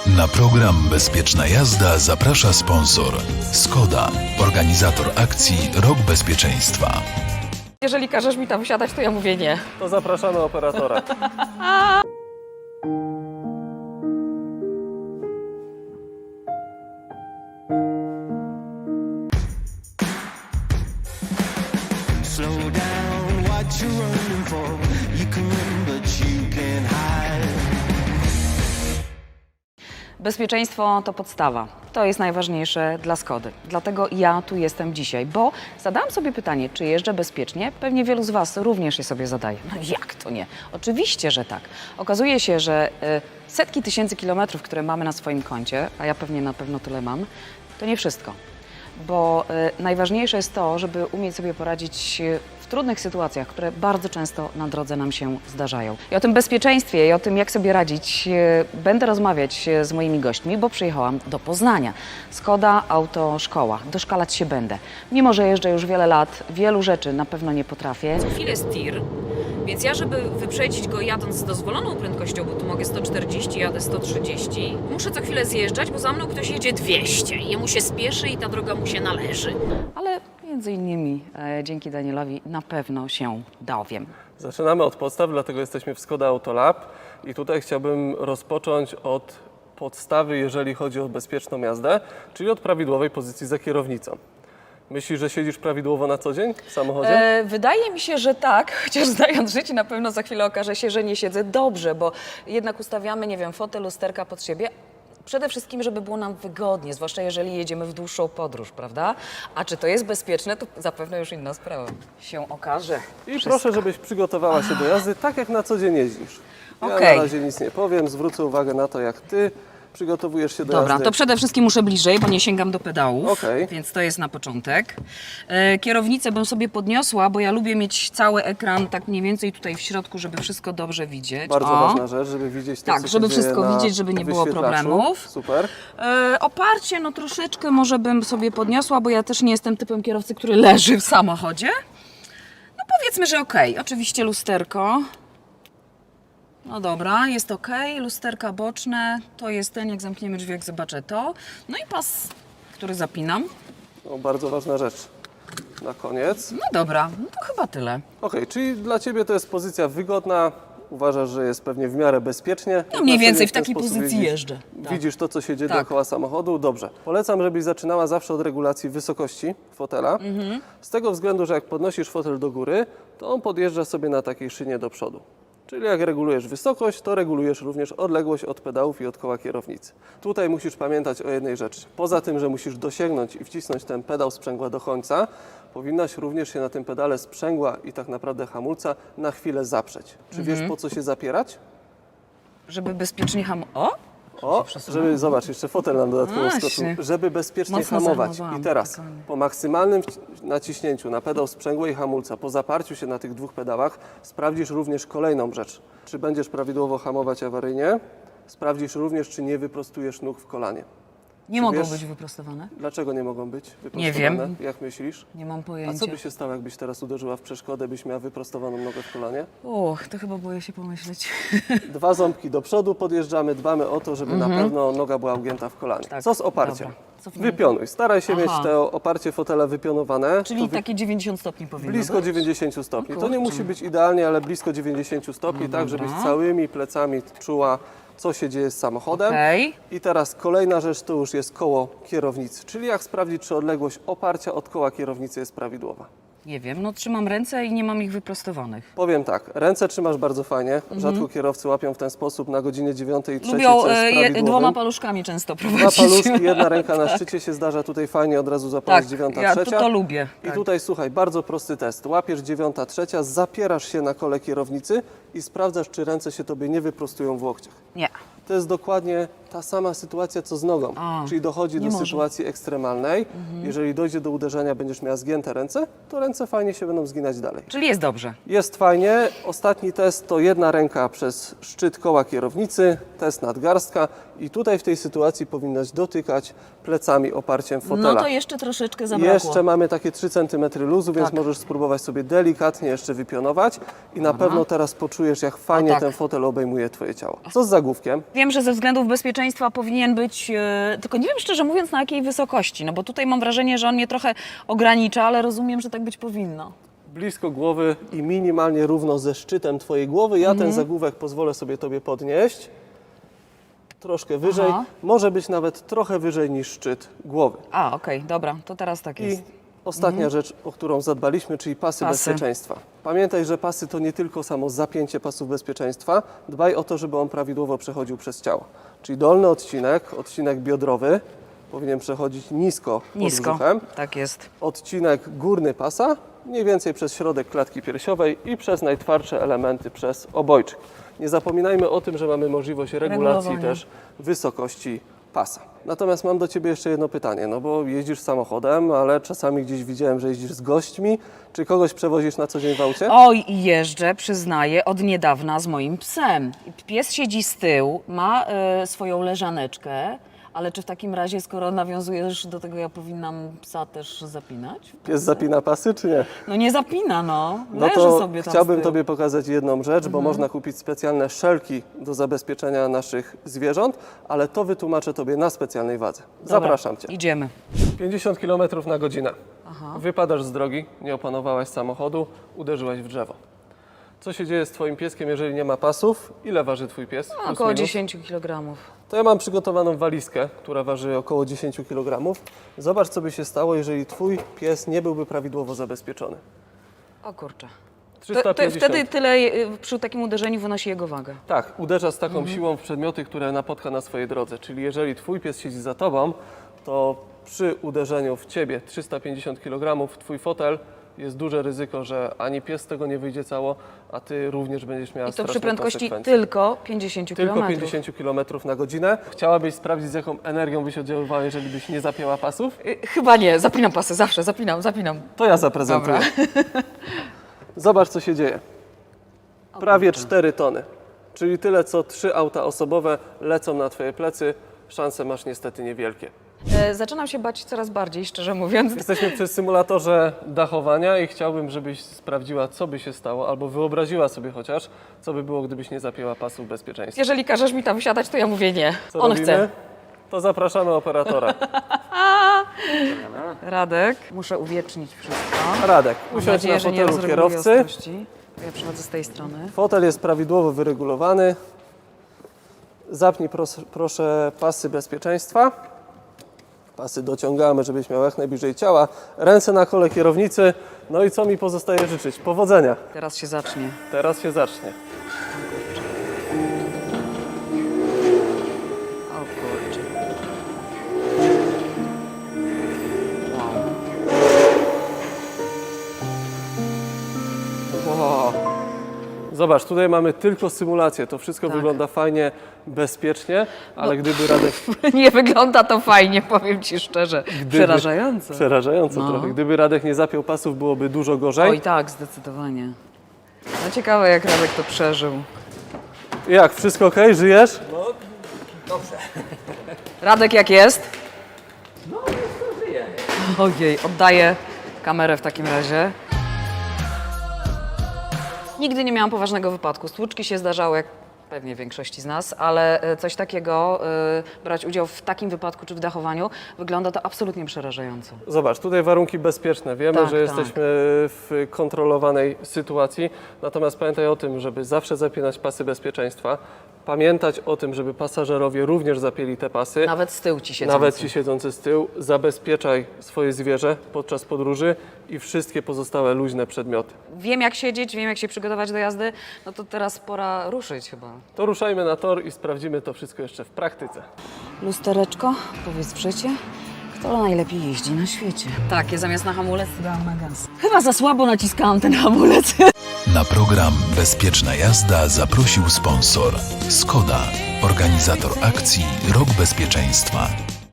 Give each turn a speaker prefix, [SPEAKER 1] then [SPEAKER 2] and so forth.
[SPEAKER 1] Na program Bezpieczna jazda zaprasza sponsor Skoda, organizator akcji Rok Bezpieczeństwa.
[SPEAKER 2] Jeżeli każesz mi tam wsiadać, to ja mówię nie.
[SPEAKER 3] To zapraszamy operatora.
[SPEAKER 4] Slow down, what you running for? You can run, but you can't hide.
[SPEAKER 2] Bezpieczeństwo to podstawa. To jest najważniejsze dla Skody. Dlatego ja tu jestem dzisiaj, bo zadałam sobie pytanie, czy jeżdżę bezpiecznie? Pewnie wielu z Was również je sobie zadaje. No jak to nie? Oczywiście, że tak. Okazuje się, że setki tysięcy kilometrów, które mamy na swoim koncie, a ja pewnie na pewno tyle mam, to nie wszystko. Bo najważniejsze jest to, żeby umieć sobie poradzić w trudnych sytuacjach, które bardzo często na drodze nam się zdarzają. I o tym bezpieczeństwie i o tym, jak sobie radzić, będę rozmawiać z moimi gośćmi, bo przyjechałam do Poznania. Skoda Autoszkoła. Doszkalać się będę. Mimo że jeżdżę już wiele lat, wielu rzeczy na pewno nie potrafię.
[SPEAKER 5] Co chwilę jest tir, więc ja, żeby wyprzedzić go jadąc z dozwoloną prędkością, bo tu mogę 140, jadę 130, muszę co chwilę zjeżdżać, bo za mną ktoś jedzie 200 i jemu się spieszy i ta droga mu się należy.
[SPEAKER 2] Ale między innymi dzięki Danielowi na pewno się dowiem.
[SPEAKER 3] Zaczynamy od podstaw, dlatego jesteśmy w Skoda Autolab i tutaj chciałbym rozpocząć od podstawy, jeżeli chodzi o bezpieczną jazdę, czyli od prawidłowej pozycji za kierownicą. Myślisz, że siedzisz prawidłowo na co dzień w samochodzie?
[SPEAKER 2] Wydaje mi się, że tak, chociaż znając życie na pewno za chwilę okaże się, że nie siedzę dobrze, bo jednak ustawiamy, nie wiem, fotel, lusterka pod siebie. Przede wszystkim, żeby było nam wygodnie, zwłaszcza jeżeli jedziemy w dłuższą podróż, prawda? A czy to jest bezpieczne, to zapewne już inna sprawa się okaże.
[SPEAKER 3] I proszę, żebyś przygotowała się do jazdy tak, jak na co dzień jeździsz. Ja na
[SPEAKER 2] Okej.
[SPEAKER 3] razie nic nie powiem, zwrócę uwagę na to, jak ty przygotowujesz się do
[SPEAKER 2] Dobra,
[SPEAKER 3] jazdy.
[SPEAKER 2] to przede wszystkim muszę bliżej, bo nie sięgam do pedałów,
[SPEAKER 3] Okej.
[SPEAKER 2] więc to jest na początek. Kierownicę bym sobie podniosła, bo ja lubię mieć cały ekran tak mniej więcej tutaj w środku, żeby wszystko dobrze widzieć.
[SPEAKER 3] Bardzo
[SPEAKER 2] O.
[SPEAKER 3] ważna rzecz, żeby widzieć to,
[SPEAKER 2] Tak,
[SPEAKER 3] co
[SPEAKER 2] żeby
[SPEAKER 3] się dzieje
[SPEAKER 2] wszystko
[SPEAKER 3] na
[SPEAKER 2] widzieć, żeby nie było
[SPEAKER 3] wyświetlaczu.
[SPEAKER 2] problemów.
[SPEAKER 3] Super.
[SPEAKER 2] Oparcie, no troszeczkę może bym sobie podniosła, bo ja też nie jestem typem kierowcy, który leży w samochodzie. No powiedzmy, że okej. Oczywiście lusterko. No dobra, jest okej. Lusterka boczne, to jest ten, jak zamkniemy drzwi, jak zobaczę to. No i pas, który zapinam.
[SPEAKER 3] No, bardzo ważna rzecz. Na koniec.
[SPEAKER 2] No dobra, no to chyba tyle.
[SPEAKER 3] Okej, czyli dla Ciebie to jest pozycja wygodna. Uważasz, że jest pewnie w miarę bezpiecznie.
[SPEAKER 2] No mniej
[SPEAKER 3] Na co
[SPEAKER 2] więcej
[SPEAKER 3] dzień
[SPEAKER 2] w takiej
[SPEAKER 3] sposób
[SPEAKER 2] pozycji jeżdżę. Tak.
[SPEAKER 3] Widzisz to, co się dzieje
[SPEAKER 2] Tak.
[SPEAKER 3] dookoła samochodu? Dobrze. Polecam, żebyś zaczynała zawsze od regulacji wysokości fotela.
[SPEAKER 2] Mhm.
[SPEAKER 3] Z tego względu, że jak podnosisz fotel do góry, to on podjeżdża sobie na takiej szynie do przodu. Czyli jak regulujesz wysokość, to regulujesz również odległość od pedałów i od koła kierownicy. Tutaj musisz pamiętać o jednej rzeczy. Poza tym, że musisz dosięgnąć i wcisnąć ten pedał sprzęgła do końca, powinnaś również się na tym pedale sprzęgła i tak naprawdę hamulca na chwilę zaprzeć. Czy wiesz, po co się zapierać?
[SPEAKER 2] Żeby bezpiecznie O!
[SPEAKER 3] O, żeby, zobacz, jeszcze fotel nam dodatkowo
[SPEAKER 2] Właśnie.
[SPEAKER 3] skoczył, żeby bezpiecznie
[SPEAKER 2] Mocno
[SPEAKER 3] hamować.
[SPEAKER 2] zahamowałam,
[SPEAKER 3] I teraz
[SPEAKER 2] spokojnie.
[SPEAKER 3] po maksymalnym naciśnięciu na pedał sprzęgła i hamulca, po zaparciu się na tych dwóch pedałach, sprawdzisz również kolejną rzecz. Czy będziesz prawidłowo hamować awaryjnie? Sprawdzisz również, czy nie wyprostujesz nóg w kolanie.
[SPEAKER 2] Nie mogą
[SPEAKER 3] wiesz-
[SPEAKER 2] być wyprostowane?
[SPEAKER 3] Dlaczego nie mogą być wyprostowane?
[SPEAKER 2] Nie wiem.
[SPEAKER 3] Jak myślisz?
[SPEAKER 2] Nie mam
[SPEAKER 3] A
[SPEAKER 2] pojęcia.
[SPEAKER 3] co by się stało, jakbyś teraz uderzyła w przeszkodę, byś miała wyprostowaną nogę w kolanie?
[SPEAKER 2] To chyba boję się pomyśleć.
[SPEAKER 3] Dwa ząbki do przodu podjeżdżamy, dbamy o to, żeby na pewno noga była ugięta w kolanie.
[SPEAKER 2] Tak,
[SPEAKER 3] Co z oparciem?
[SPEAKER 2] dobra. Cofnijmy.
[SPEAKER 3] Wypionuj. Staraj się
[SPEAKER 2] Aha.
[SPEAKER 3] mieć to oparcie fotela wypionowane.
[SPEAKER 2] Czyli
[SPEAKER 3] To
[SPEAKER 2] takie 90 stopni powinno
[SPEAKER 3] blisko
[SPEAKER 2] być?
[SPEAKER 3] 90 stopni.
[SPEAKER 2] O
[SPEAKER 3] To nie
[SPEAKER 2] kurczę.
[SPEAKER 3] musi być idealnie, ale blisko 90 stopni, tak żebyś
[SPEAKER 2] dobra.
[SPEAKER 3] całymi plecami czuła, co się dzieje z samochodem.
[SPEAKER 2] Okej.
[SPEAKER 3] I teraz kolejna rzecz to już jest koło kierownicy, czyli jak sprawdzić, czy odległość oparcia od koła kierownicy jest prawidłowa.
[SPEAKER 2] Nie wiem, no trzymam ręce i nie mam ich wyprostowanych.
[SPEAKER 3] Powiem tak, ręce trzymasz bardzo fajnie, rzadko kierowcy łapią w ten sposób na godzinie 9:03,
[SPEAKER 2] Lubią
[SPEAKER 3] co jest prawidłowym.
[SPEAKER 2] dwoma paluszkami często
[SPEAKER 3] Dwa
[SPEAKER 2] prowadzić.
[SPEAKER 3] paluszki, jedna ręka na szczycie się zdarza tutaj fajnie, od razu zapalasz
[SPEAKER 2] Tak,
[SPEAKER 3] 9:03.
[SPEAKER 2] ja to lubię.
[SPEAKER 3] I
[SPEAKER 2] Tak.
[SPEAKER 3] tutaj słuchaj, bardzo prosty test. Łapiesz 9:03, zapierasz się na kole kierownicy i sprawdzasz, czy ręce się tobie nie wyprostują w łokciach.
[SPEAKER 2] Nie.
[SPEAKER 3] To jest dokładnie ta sama sytuacja, co z nogą.
[SPEAKER 2] A,
[SPEAKER 3] Czyli dochodzi
[SPEAKER 2] nie
[SPEAKER 3] do
[SPEAKER 2] może.
[SPEAKER 3] sytuacji ekstremalnej. Jeżeli dojdzie do uderzenia, będziesz miała zgięte ręce, to ręce fajnie się będą zginać dalej.
[SPEAKER 2] Czyli jest dobrze.
[SPEAKER 3] Jest fajnie. Ostatni test to jedna ręka przez szczyt koła kierownicy, test nadgarstka i tutaj w tej sytuacji powinnaś dotykać plecami oparciem fotela.
[SPEAKER 2] No to jeszcze troszeczkę zabrakło.
[SPEAKER 3] Jeszcze mamy takie 3 cm luzu, więc
[SPEAKER 2] Tak.
[SPEAKER 3] możesz spróbować sobie delikatnie jeszcze wypionować i na pewno teraz poczujesz, jak fajnie
[SPEAKER 2] tak.
[SPEAKER 3] ten fotel obejmuje Twoje ciało. Co z zagłówkiem?
[SPEAKER 2] Wiem, że ze względów bezpieczeństwa bezpieczeństwa powinien być, tylko nie wiem szczerze mówiąc na jakiej wysokości, no bo tutaj mam wrażenie, że on mnie trochę ogranicza, ale rozumiem, że tak być powinno.
[SPEAKER 3] Blisko głowy i minimalnie równo ze szczytem Twojej głowy. Ja ten zagłówek pozwolę sobie Tobie podnieść. Troszkę wyżej,
[SPEAKER 2] Aha.
[SPEAKER 3] może być nawet trochę wyżej niż szczyt głowy.
[SPEAKER 2] A, okej, dobra, to teraz tak
[SPEAKER 3] I
[SPEAKER 2] jest.
[SPEAKER 3] ostatnia rzecz, o którą zadbaliśmy, czyli pasy bezpieczeństwa. Pamiętaj, że pasy to nie tylko samo zapięcie pasów bezpieczeństwa. Dbaj o to, żeby on prawidłowo przechodził przez ciało. Czyli dolny odcinek biodrowy powinien przechodzić nisko pod
[SPEAKER 2] Nisko,
[SPEAKER 3] brzuchem.
[SPEAKER 2] tak jest.
[SPEAKER 3] Odcinek górny pasa mniej więcej przez środek klatki piersiowej i przez najtwardsze elementy przez obojczyk. Nie zapominajmy o tym, że mamy możliwość regulacji
[SPEAKER 2] Regulowania.
[SPEAKER 3] też wysokości pasa. Natomiast mam do Ciebie jeszcze jedno pytanie, no bo jeździsz samochodem, ale czasami gdzieś widziałem, że jeździsz z gośćmi. Czy kogoś przewozisz na co dzień w aucie?
[SPEAKER 2] Oj, i jeżdżę, przyznaję, od niedawna z moim psem. Pies siedzi z tyłu, ma swoją leżaneczkę, ale czy w takim razie, skoro nawiązujesz do tego, ja powinnam psa też zapinać?
[SPEAKER 3] Pies zapina pasy, czy nie?
[SPEAKER 2] No nie zapina, no.
[SPEAKER 3] No
[SPEAKER 2] Leży
[SPEAKER 3] to
[SPEAKER 2] sobie tam z
[SPEAKER 3] chciałbym
[SPEAKER 2] tyłu.
[SPEAKER 3] Tobie pokazać jedną rzecz, bo można kupić specjalne szelki do zabezpieczenia naszych zwierząt, ale to wytłumaczę Tobie na specjalnej wadze.
[SPEAKER 2] Dobra,
[SPEAKER 3] Zapraszam Cię.
[SPEAKER 2] Idziemy.
[SPEAKER 3] 50 km na godzinę. Wypadasz z drogi, nie opanowałaś samochodu, uderzyłaś w drzewo. Co się dzieje z Twoim pieskiem, jeżeli nie ma pasów? Ile waży Twój pies? Plus
[SPEAKER 2] Około
[SPEAKER 3] minus?
[SPEAKER 2] 10 kg.
[SPEAKER 3] To ja mam przygotowaną walizkę, która waży około 10 kg. Zobacz, co by się stało, jeżeli Twój pies nie byłby prawidłowo zabezpieczony.
[SPEAKER 2] O kurczę.
[SPEAKER 3] 350.
[SPEAKER 2] Wtedy tyle przy takim uderzeniu wynosi jego wagę.
[SPEAKER 3] Tak, uderza z taką siłą w przedmioty, które napotka na swojej drodze. Czyli jeżeli Twój pies siedzi za Tobą, to przy uderzeniu w Ciebie 350 kg, Twój fotel, jest duże ryzyko, że ani pies z tego nie wyjdzie cało, a Ty również będziesz miała
[SPEAKER 2] I to przy
[SPEAKER 3] straszne
[SPEAKER 2] prędkości
[SPEAKER 3] konsekwencje.
[SPEAKER 2] tylko 50 km.
[SPEAKER 3] Tylko 50 km na godzinę. Chciałabyś sprawdzić, z jaką energią byś oddziaływała, jeżeli byś nie zapięła pasów?
[SPEAKER 2] Chyba nie, zapinam pasy, zawsze zapinam.
[SPEAKER 3] To ja zaprezentuję. Zobacz, co się dzieje. Prawie 4 tony, czyli tyle, co 3 auta osobowe lecą na Twoje plecy. Szanse masz niestety niewielkie.
[SPEAKER 2] Zaczynam się bać coraz bardziej, szczerze mówiąc.
[SPEAKER 3] Jesteśmy przy symulatorze dachowania i chciałbym, żebyś sprawdziła, co by się stało, albo wyobraziła sobie chociaż, co by było, gdybyś nie zapięła pasów bezpieczeństwa.
[SPEAKER 2] Jeżeli każesz mi tam wsiadać, to ja mówię nie.
[SPEAKER 3] Co
[SPEAKER 2] On
[SPEAKER 3] robimy?
[SPEAKER 2] chce.
[SPEAKER 3] To zapraszamy operatora.
[SPEAKER 2] Radek, muszę uwiecznić wszystko.
[SPEAKER 3] Radek,
[SPEAKER 2] Mam
[SPEAKER 3] usiądź
[SPEAKER 2] nadzieję,
[SPEAKER 3] na
[SPEAKER 2] że nie
[SPEAKER 3] fotelu
[SPEAKER 2] rozreguluję
[SPEAKER 3] kierowcy.
[SPEAKER 2] ostrości. Ja przychodzę z tej strony.
[SPEAKER 3] Fotel jest prawidłowo wyregulowany. Zapnij proszę pasy bezpieczeństwa. Pasy dociągamy, żebyś miał jak najbliżej ciała. Ręce na kole kierownicy. No i co mi pozostaje życzyć? Powodzenia.
[SPEAKER 2] Teraz się zacznie.
[SPEAKER 3] Teraz się zacznie.
[SPEAKER 2] O kurczę.
[SPEAKER 3] Wow. Zobacz, tutaj mamy tylko symulację. To wszystko
[SPEAKER 2] Tak.
[SPEAKER 3] wygląda fajnie, bezpiecznie, ale gdyby Radek...
[SPEAKER 2] Nie wygląda to fajnie, powiem Ci szczerze. Przerażająco.
[SPEAKER 3] Przerażająco
[SPEAKER 2] No.
[SPEAKER 3] trochę. Gdyby Radek nie zapiął pasów, byłoby dużo gorzej.
[SPEAKER 2] Oj tak, zdecydowanie. No ciekawe, jak Radek to przeżył.
[SPEAKER 3] Jak, wszystko ok? Żyjesz?
[SPEAKER 2] Radek, jak jest? No, żyje. Ojej, oddaję kamerę w takim razie. Nigdy nie miałam poważnego wypadku. Stłuczki się zdarzały, jak pewnie większości z nas, ale coś takiego, brać udział w takim wypadku czy w dachowaniu, wygląda to absolutnie przerażająco.
[SPEAKER 3] Zobacz, tutaj warunki bezpieczne. Wiemy,
[SPEAKER 2] Tak,
[SPEAKER 3] że jesteśmy w kontrolowanej sytuacji. Natomiast pamiętaj o tym, żeby zawsze zapinać pasy bezpieczeństwa. Pamiętać o tym, żeby pasażerowie również zapięli te pasy.
[SPEAKER 2] Nawet z tyłu ci siedzą.
[SPEAKER 3] Nawet ci siedzący z tyłu. Zabezpieczaj swoje zwierzę podczas podróży i wszystkie pozostałe luźne przedmioty.
[SPEAKER 2] Wiem, jak siedzieć, wiem, jak się przygotować do jazdy. No to teraz pora ruszyć chyba.
[SPEAKER 3] To ruszajmy na tor i sprawdzimy to wszystko jeszcze w praktyce.
[SPEAKER 2] Lustereczko, powiedz przecie, kto najlepiej jeździ na świecie? Tak, ja zamiast na hamulec dałam na gaz. Chyba za słabo naciskałam ten hamulec.
[SPEAKER 1] Na program Bezpieczna jazda zaprosił sponsor Skoda, organizator akcji Rok Bezpieczeństwa.